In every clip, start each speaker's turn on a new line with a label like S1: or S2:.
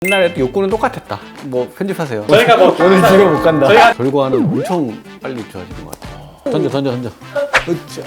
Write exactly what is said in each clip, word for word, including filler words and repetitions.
S1: 옛날에도 욕구는 똑같았다. 뭐 편집하세요.
S2: 저희가 뭐
S1: 오늘 집에 못 간다.
S2: 저희가
S1: 결과는 엄청 빨리 좋아지는 것 같아요. 던져 던져 던져. 으쌰.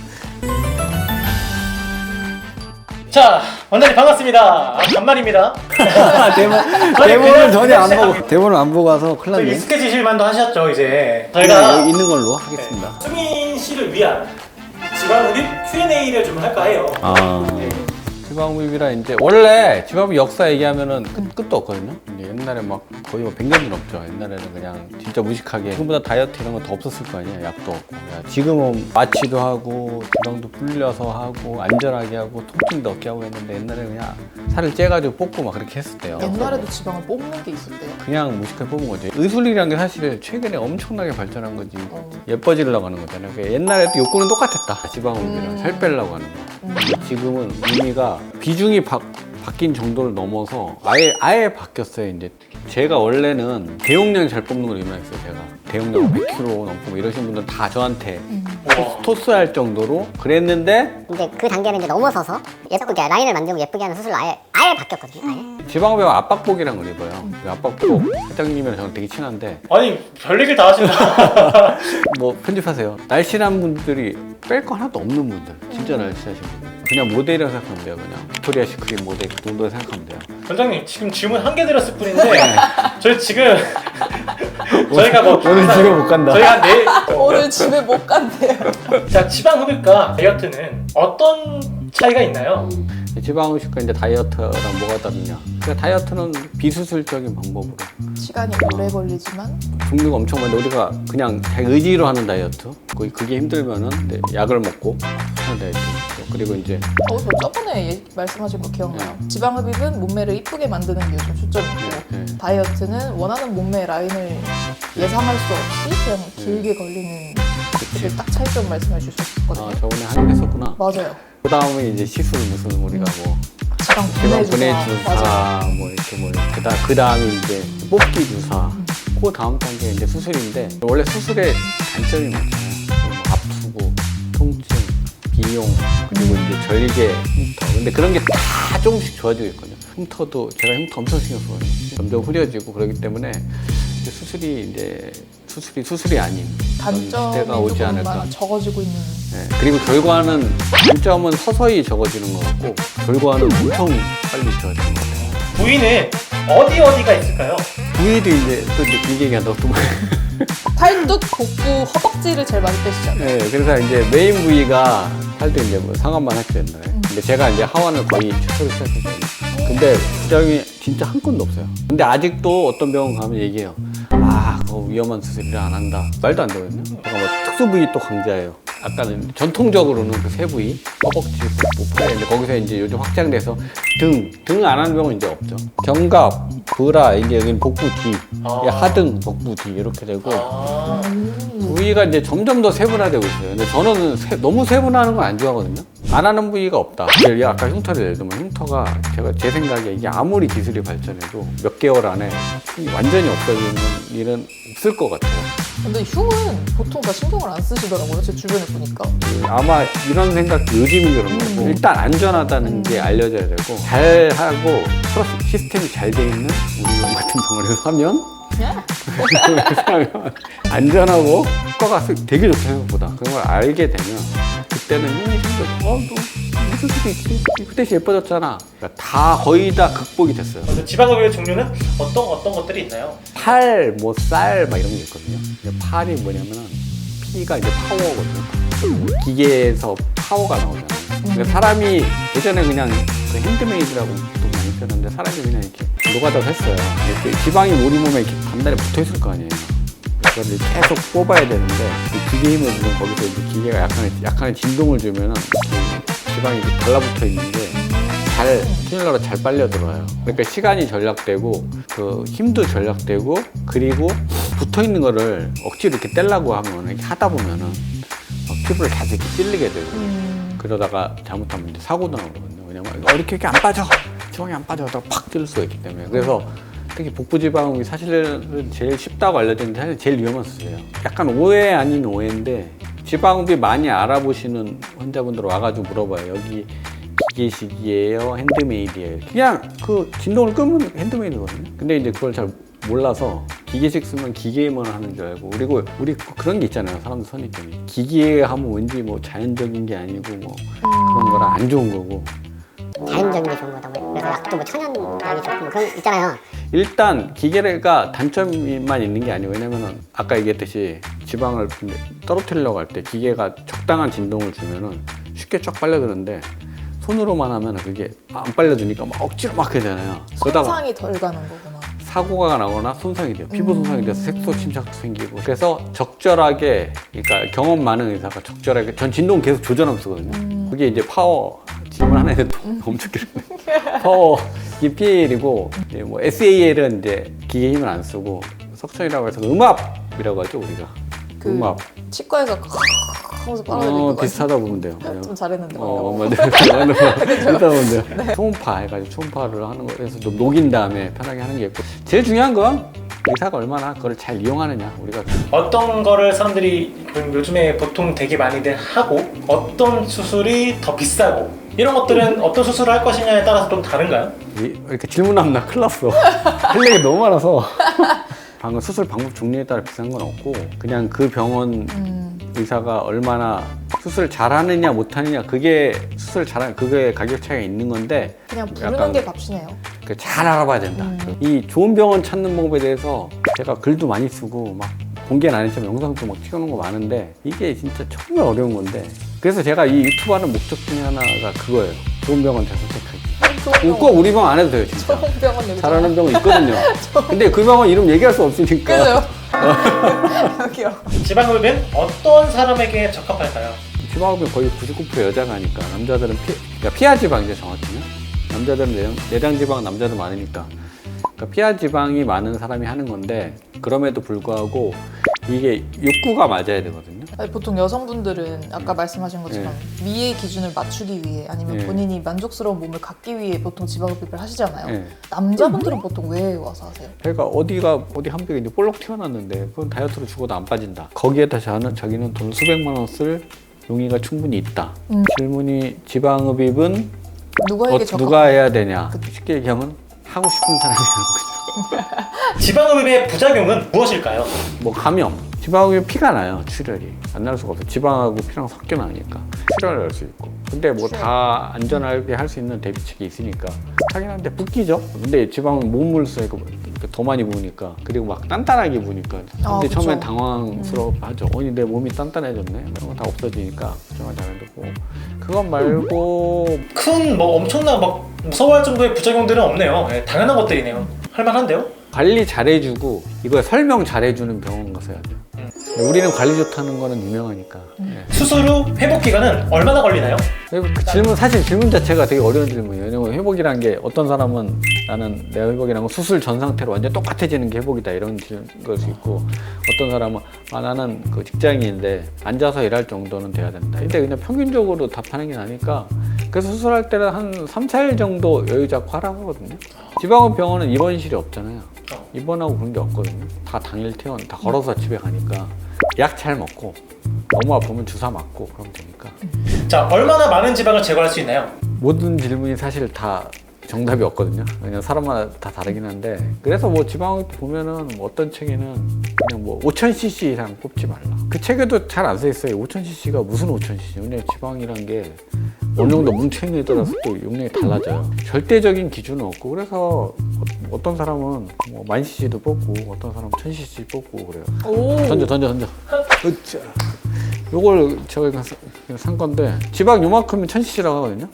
S2: 자, 원장님 반갑습니다. 아, 간만입니다.
S1: 대본
S2: 아니,
S1: 대본을
S2: 그냥
S1: 전혀 안
S2: 그냥
S1: 보고 대본을 안 보고 와서 큰일
S2: 저희
S1: 났네.
S2: 익숙해지실만도 하셨죠, 이제.
S1: 그냥
S2: 저희가
S1: 여기 있는 걸로 하겠습니다.
S2: 네, 수민 씨를 위한 지방흡입 큐 앤 에이를 좀 할까 해요.
S1: 아.
S2: 네.
S1: 지방흡입이라 이제 원래 지방흡입 역사 얘기하면은 끝, 끝도 없거든요. 이제 옛날에 막 거의 뭐 백 년 넘죠. 옛날에는 그냥 진짜 무식하게 지금보다 다이어트 이런 거 더 없었을 거 아니에요. 약도 없고. 지금은 마취도 하고 지방도 불려서 하고 안전하게 하고 통증도 없게 하고 했는데 옛날에 그냥 살을 째가지고 뽑고 막 그렇게 했었대요.
S3: 옛날에도 지방을 뽑는 게 있었대요.
S1: 그냥 무식하게 뽑은 거죠. 의술이라는 게 사실 최근에 엄청나게 발전한 거지.
S3: 어.
S1: 예뻐지려고 하는 거잖아요. 그러니까 옛날에도 욕구는 똑같았다. 지방흡입이랑
S3: 음.
S1: 살 빼려고 하는 거.
S3: 음.
S1: 근데 지금은 의미가 비중이 바, 바뀐 정도를 넘어서 아예 아예 바뀌었어요. 이제 제가 원래는 대용량 잘 뽑는 걸 유명했어요. 제가 대용량 백 킬로그램 넘고 뭐 이러신 분들 다 저한테
S2: 와.
S1: 토스할 정도로 그랬는데
S4: 이제 그 단계를 이제 넘어서서 예쁘게 라인을 만들고 예쁘게 하는 수술로 아예 아예 바뀌었거든요. 아예.
S1: 지방흡입 압박복이라는 걸 입어요. 그 압박복 사장님이랑 저랑 되게 친한데
S2: 아니, 별 얘기를 다 하신다.
S1: 뭐 편집하세요. 날씬한 분들이 뺄 거 하나도 없는 분들, 진짜 날씬하신 분들. 그냥 모델이라고 생각하면 돼요. 그냥 빅토리아 시크릿 모델 그 정도 생각하면 돼요.
S2: 원장님, 지금 질문 한 개 드렸을 뿐인데, 저희 지금, 저희가 뭐,
S1: 오늘 집에 못 간다.
S2: 저희 한 내일,
S3: 오늘 집에 못 간대요.
S2: 자, 지방흡입과 다이어트는 어떤 차이가 있나요?
S1: 지방흡입과 이제 다이어트랑 뭐가 다르냐? 그러니까 다이어트는 비수술적인 방법으로
S3: 시간이 오래 걸리지만
S1: 종류가 엄청 많은데 우리가 그냥 자기 의지로 하는 다이어트, 그- 그게 힘들면은 이제 약을 먹고 하는 다이어트. 그리고 이제
S3: 어, 저 저번에 예- 말씀하신 거 기억나요. 지방흡입은 몸매를 이쁘게 만드는 게 요즘 초점이고
S1: 네.
S3: 다이어트는 원하는 몸매 라인을 예상할 수 없이 그냥 길게 걸리는 그딱 차이점 말씀해 주셨거든요.
S1: 아 저번에 하긴 했었구나.
S3: 맞아요.
S1: 그 다음에 이제 시술 무슨 우리가 뭐
S3: 지방
S1: 지방
S3: 분해
S1: 분해
S3: 주사.
S1: 주사
S3: 맞아요.
S1: 뭐 이렇게 뭐 그다 그 다음에 이제 뽑기 주사. 그 다음 단계 이제 수술인데 원래 수술의 단점이 많잖아요. 뭐 아프고 통증, 비용 그리고 이제 절개, 흉터. 근데 그런 게 다 조금씩 좋아지고 있거든요. 흉터도 제가 흉터 엄청 신경 쓰거든요. 점점 흐려지고 그러기 때문에 이제 수술이 이제 수술이 수술이 아닌 그런
S3: 단점이
S1: 시대가 오지
S3: 조금
S1: 않을까.
S3: 많아 적어지고 있는.
S1: 네, 그리고 결과는 단점은 서서히 적어지는 것 같고 결과는 엄청 빨리 좋아지는 것 같아요.
S2: 부위는 어디 어디가 있을까요?
S1: 부위도 이제 또 이제 길게 얘기한다고 또
S3: 팔뚝, 복부, 허벅지를 제일 많이 빼시잖아요.
S1: 네, 그래서 이제 메인 부위가 할 때 이제 뭐 상완만 했죠 옛날에. 근데 제가 이제 하완을 거의 최초로 시작했거든요. 근데 부작용이 진짜 한 건도 없어요. 근데 아직도 어떤 병원 가면 얘기해요. 아, 그거 위험한 수술이라 안 한다. 말도 안 되거든요. 제가 뭐 특수 부위 또 강자예요. 아까는 전통적으로는 그 세 부위, 허벅지, 복부, 팔. 근데 거기서 이제 요즘 확장돼서 등, 등 안 하는 병은 이제 없죠. 견갑, 브라, 이제 여기는 복부 뒤,
S2: 아.
S1: 하등, 복부 뒤 이렇게 되고
S2: 아,
S1: 부위가 이제 점점 더 세분화되고 있어요. 근데 저는 세- 너무 세분화하는 건 안 좋아하거든요. 안 하는 부위가 없다. 예를 들어 아까 흉터를 예를 들면 흉터가 제가 제 생각에 이게 아무리 기술이 발전해도 몇 개월 안에 완전히 없어지는 일은 없을 것 같아요.
S3: 근데 흉은 보통 다 신경을 안 쓰시더라고요. 제 주변에 보니까.
S1: 아마 이런 생각도 요즘이 그런 거고
S3: 음.
S1: 일단 안전하다는 게 알려져야 되고 잘하고 플러스 시스템이 잘 돼 있는 우리 병 같은 병원에서 하면 하면 안전하고 효과가 되게 좋다 생각보다 그런 걸 알게 되면 그때는 힘이 생겨. 어, 너 무슨 수도 있지? 그 대신 예뻐졌잖아. 그러니까 다 거의 다 극복이 됐어요.
S2: 그래서 지방흡입의 종류는 어떤 어떤 것들이 있나요?
S1: 팔, 뭐 쌀 막 이런 게 있거든요. 근데 팔이 뭐냐면은 피가 이제 파워거든요. 기계에서 파워가 나오잖아요. 그러니까 사람이 예전에 그냥 그 핸드메이드라고 보통 많이 쓰는데 사람이 그냥 이렇게 노가다를 했어요. 이렇게 지방이 우리 몸에 이렇게 단단히 붙어 있을 거 아니에요. 그걸 계속 뽑아야 되는데 그 기계 힘을 주면 거기서 이제 기계가 약간의 약간의 진동을 주면은 그 지방이 이렇게 달라붙어 있는 게 잘 튜닝러로 잘 빨려 들어와요. 그러니까 시간이 절약되고 그 힘도 절약되고 그리고 붙어 있는 거를 억지로 이렇게 떼려고 하면 이렇게 하다 보면은 막 피부를 계속 이렇게 찔리게 되고
S3: 음.
S1: 그러다가 잘못하면 이제 사고도 나거든요. 왜냐면 어, 이렇게 이렇게 안 빠져 지방이 안 빠져 하다가 팍 찔릴 수가 있기 때문에 그래서 특히 복부 지방이 사실은 제일 쉽다고 알려졌는데 사실 제일 위험한 수술이에요. 약간 오해 아닌 오해인데 지방흡입 많이 알아보시는 환자분들 와가지고 물어봐요. 여기 기계식이에요, 핸드메이드예요. 그냥 그 진동을 끄면 핸드메이드거든요. 근데 이제 그걸 잘 몰라서 기계식 쓰면 기계만 하는 줄 알고, 그리고 우리 그런 게 있잖아요, 사람들 선입견이. 기계 하면 왠지 뭐 자연적인 게 아니고 뭐 그런 거랑 안 좋은 거고.
S4: 자연적인 게 좋은 거다. 뭐. 그래서 약도 뭐 천연약이 좋고 뭐 그런 거 있잖아요.
S1: 일단 기계가 단점만 있는 게 아니에요. 왜냐면은 아까 얘기했듯이 지방을 떨어뜨리려고 할 때 기계가 적당한 진동을 주면은 쉽게 쫙 빨려드는데, 손으로만 하면 그게 안 빨려주니까 막 억지로 막 해야 되잖아요. 그러다가
S3: 손상이 덜 가는 거구나.
S1: 사고가 나거나 손상이 돼요. 피부 손상이 돼서 색소 침착도 생기고. 그래서 적절하게, 그러니까 경험 많은 의사가 적절하게, 전 진동 계속 조절하면 쓰거든요.
S3: 음.
S1: 그게 이제 파워, 질문 하나에 엄청 길어요. 파워, 이게 피에이엘이고, 뭐 에스에이엘은 이제 기계 힘을 안 쓰고, 석천이라고 해서 음압이라고 하죠, 우리가.
S3: 그
S1: 음압.
S3: 치과에서 하면서 빨아들일
S1: 어,
S3: 거
S1: 비슷하다 보면 돼요.
S3: 좀 잘했는데.
S1: 어, 맞아요. 비슷하다 보면 돼요. 초음파 해가지고 초음파를 하는 거에서 좀 녹인 다음에 편하게 하는 게 있고, 제일 중요한 건 의사가 얼마나 그걸 잘 이용하느냐. 우리가
S2: 어떤 거를 사람들이 요즘에 보통 되게 많이들 하고, 어떤 수술이 더 비싸고, 이런 것들은 어떤 수술을 할 것이냐에 따라서 좀 다른가요?
S1: 이- 이렇게 질문하면 나 큰일 났어. 할 얘기 너무 많아서. 방금 수술 방법 종류에 따라 비싼 건 없고, 그냥 그 병원
S3: 음.
S1: 의사가 얼마나 수술 잘하느냐 못하느냐, 그게 수술 잘하는 그게 가격 차이가 있는 건데,
S3: 그냥 부르는
S1: 약간
S3: 게 값이네요.
S1: 그 잘 알아봐야 된다.
S3: 음.
S1: 이 좋은 병원 찾는 방법에 대해서 제가 글도 많이 쓰고 막 공개는 안 했지만 영상도 막 찍어놓은 거 많은데, 이게 진짜 정말 어려운 건데, 그래서 제가 이 유튜브 하는 목적 중에 하나가 그거예요. 좋은 병원 잘 선택하기.
S3: 좋은
S1: 꼭 우리 병원 안 해도 돼요, 진짜.
S3: 좋은 병원 여기
S1: 잘하는 병원 있거든요. 근데 그 병원 이름 얘기할 수 없으니까.
S3: 그죠? 여기요.
S2: 지방흡입은 어떤 사람에게 적합할까요?
S1: 지방흡입 거의 구십구 퍼센트 여자가 하니까, 남자들은 피, 그러니까 피하 지방이죠, 정확히는. 남자들은 내장, 내장 지방 남자도 많으니까. 그러니까 피하 지방이 많은 사람이 하는 건데, 그럼에도 불구하고 이게 욕구가 맞아야 되거든요.
S3: 아니, 보통 여성분들은 아까 말씀하신 것처럼 미의 기준을 맞추기 위해 아니면
S1: 네.
S3: 본인이 만족스러운 몸을 갖기 위해 보통 지방흡입을 하시잖아요.
S1: 네.
S3: 남자분들은 보통 왜 와서 하세요?
S1: 그러니까 어디가 어디 한 벽에 이제 볼록 튀어났는데, 그건 다이어트로 죽어도 안 빠진다. 거기에다 자는 자기는 돈 수백만 원 쓸 용의가 충분히 있다.
S3: 음.
S1: 질문이 지방흡입은
S3: 누구에게
S1: 어,
S3: 적합?
S1: 누가 해야 되냐?
S3: 그쵸.
S1: 쉽게 얘기하면 하고 싶은 사람이 하는 거죠.
S2: 지방흡입의 부작용은 무엇일까요?
S1: 뭐 감염, 지방흡입 피가 나요. 출혈이 안 날 수가 없어요. 지방하고 피랑 섞여 나니까 출혈을 할 수 있고. 근데 뭐 다 안전하게 할 수 있는 대비책이 있으니까 하긴 한데 붓기죠. 근데 지방은 몸을 쓰니까 더 많이 부으니까, 그리고 막 단단하게 부으니까. 근데
S3: 아, 그쵸.
S1: 처음엔 당황스러워하죠. 아니 내 몸이 단단해졌네. 이런 거 다 없어지니까 걱정을 잘 안 되고. 그건 말고
S2: 큰 뭐 엄청나 막 무서워할 정도의 부작용들은 없네요. 네, 당연한 것들이네요. 할만한데요?
S1: 관리 잘해주고 이거 설명 잘해주는 병원 가서 해야 돼요.
S2: 음.
S1: 우리는 관리 좋다는 거는 유명하니까. 예.
S2: 수술 후 회복 기간은 얼마나 걸리나요?
S1: 그리고 그 질문, 사실 질문 자체가 되게 어려운 질문이에요. 왜냐면 회복이란 게, 어떤 사람은 나는 내 회복이란 건 수술 전 상태로 완전 똑같아지는 게 회복이다, 이런 걸 수 있고, 어떤 사람은 아 나는 그 직장인인데 앉아서 일할 정도는 돼야 된다. 근데 그냥 평균적으로 답하는 게 나니까, 그래서 수술할 때는 한 삼, 사 일 정도 여유 잡고 하라고 하거든요. 지방흡 병원은 입원실이 없잖아요. 입원하고 그런 게 없거든요. 다 당일 퇴원, 다 걸어서 집에 가니까 약 잘 먹고, 너무 아프면 주사 맞고 그러면 되니까.
S2: 자, 얼마나 많은 지방을 제거할 수 있나요?
S1: 모든 질문이 사실 다 정답이 없거든요. 그냥 사람마다 다 다르긴 한데, 그래서 뭐 지방흡입 보면은 뭐 어떤 책에는 그냥 뭐 오천 씨씨 이상 뽑지 말라. 그 책에도 잘 안 써 있어요. 오천 씨씨가 무슨 오천 씨씨? 왜냐면 지방이란 게 어느 정도 뭉쳐있는 에 따라서 또 용량이 달라져요. 절대적인 기준은 없고, 그래서 어떤 사람은 뭐 만 씨씨도 뽑고, 어떤 사람은 천 씨씨 뽑고 그래요.
S3: 오.
S1: 던져 던져 던져. 으쌰. 요걸 저희가 사- 산 건데, 지방 요만큼은 천 씨씨라고 하거든요.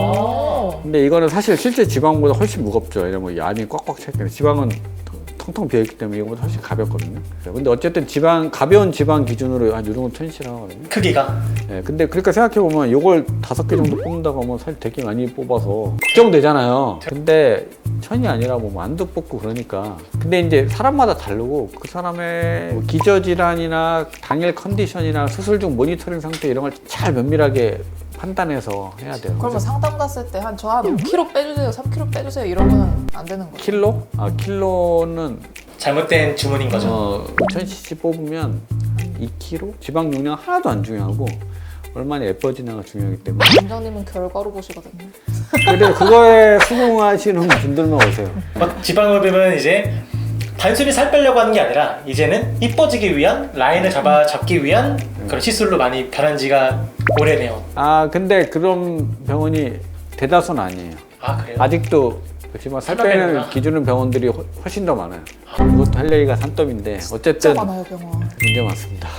S2: 아.
S1: 근데 이거는 사실 실제 지방보다 훨씬 무겁죠. 왜냐면 이 안이 꽉꽉 차 있기, 지방은 텅텅 비어있기 때문에 이거보다 훨씬 가볍거든요. 근데 어쨌든 지방, 가벼운 지방 기준으로 한 요 정도 천 씨씨라고 하거든요.
S2: 크기가.
S1: 예, 근데 그러니까 생각해보면 이걸 다섯 개 정도 뽑는다고 하면 사실 되게 많이 뽑아서 걱정되잖아요. 근데 천이 아니라 뭐 만두 뽑고 그러니까. 근데 이제 사람마다 다르고, 그 사람의 뭐 기저질환이나 당일 컨디션이나 수술 중 모니터링 상태 이런 걸 잘 면밀하게 판단해서 해야 돼요.
S3: 그러면 상담 갔을 때 한 저 한 오 킬로그램 빼주세요, 삼 킬로그램 빼주세요 이러면 안 되는 거예요?
S1: 킬로? 아, 킬로는
S2: 잘못된 주문인 거죠.
S1: 어, 오천 씨씨 뽑으면 이 킬로그램? 지방 용량 하나도 안 중요하고, 얼마나 예뻐지냐가 중요하기 때문에.
S3: 원장님은 결과로 보시거든요.
S1: 근데 그거에 수긍하시는 분들만 오세요.
S2: 어, 지방흡입은 이제 단순히 살 빼려고 하는 게 아니라 이제는 이뻐지기 위한 라인을 잡아 잡기 위한 그런 시술로 많이 변한 지가 오래네요.
S1: 아 근데 그런 병원이 대다수는 아니에요.
S2: 아 그래요?
S1: 아직도 그렇지만 살
S2: 살만
S1: 빼는
S2: 빼는구나.
S1: 기준은 병원들이 훨- 훨씬 더 많아요. 이것도 할 얘기가 산더미인데
S3: 진짜
S1: 어쨌든
S3: 많아요 병원.
S1: 문제 많습니다.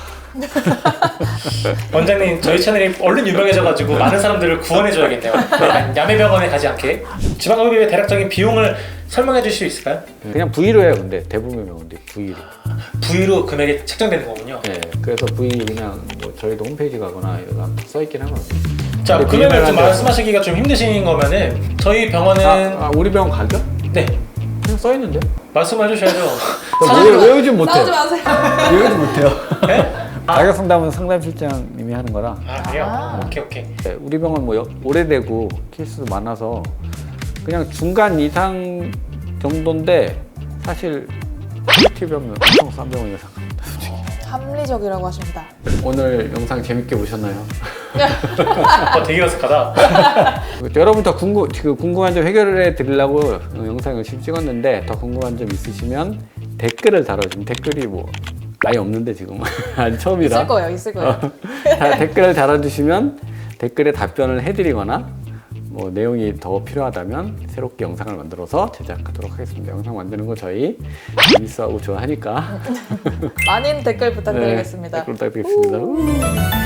S2: 원장님 저희 채널이 얼른 유명해져가지고 많은 사람들을 구원해줘야겠네요. 야매병원에 가지 않게. 지방흡입의 대략적인 비용을 설명해 주실 수 있을까요?
S1: 그냥 V로 해요. 근데 대부분 병원들이 V로.
S2: 부위로 금액이 책정되는 거군요.
S1: 네, 그래서 V 그냥 뭐 저희도 홈페이지 가거나 이거 써 있긴 하거든요.
S2: 자,
S1: 근데
S2: 금액을 좀
S1: 비밀한데-
S2: 말씀하시기가 좀 힘드신 거면은 저희 병원은
S1: 아, 아, 우리 병원 가격?
S2: 네
S1: 그냥 써 있는데.
S2: 말씀해 주셔야죠.
S1: 왜 외우진 못해.
S3: 싸우지 마세요.
S1: 외우지 못해요.
S2: 네?
S1: 가격 상담은 상담실장님이 하는 거라.
S2: 아 그래요?
S3: 아.
S2: 오케이 오케이.
S1: 네, 우리 병원 뭐 여- 오래되고 케이스도 많아서 그냥 중간 이상 정도인데 사실 퀄리티 병원 엄청 싼 병원이라 생각합니다. 솔직히.
S3: 합리적이라고 하십니다.
S1: 오늘 영상 재밌게 보셨나요?
S2: 어, 되게 어색하다.
S1: 여러분 더 궁금, 그 궁금한 점 해결해 드리려고 어, 영상 열심히 찍었는데 더 궁금한 점 있으시면 댓글을 달아주면 댓글이 뭐 아예 없는데 지금 아직 처음이라
S3: 있을 거예요, 있을 거예요.
S1: 다 댓글을 달아주시면 댓글에 답변을 해드리거나 뭐 내용이 더 필요하다면 새롭게 영상을 만들어서 제작하도록 하겠습니다. 영상 만드는 거 저희 재밌어하고 좋아하니까
S3: 많은 댓글 부탁드리겠습니다.
S1: 네, 댓글 부탁드리겠습니다.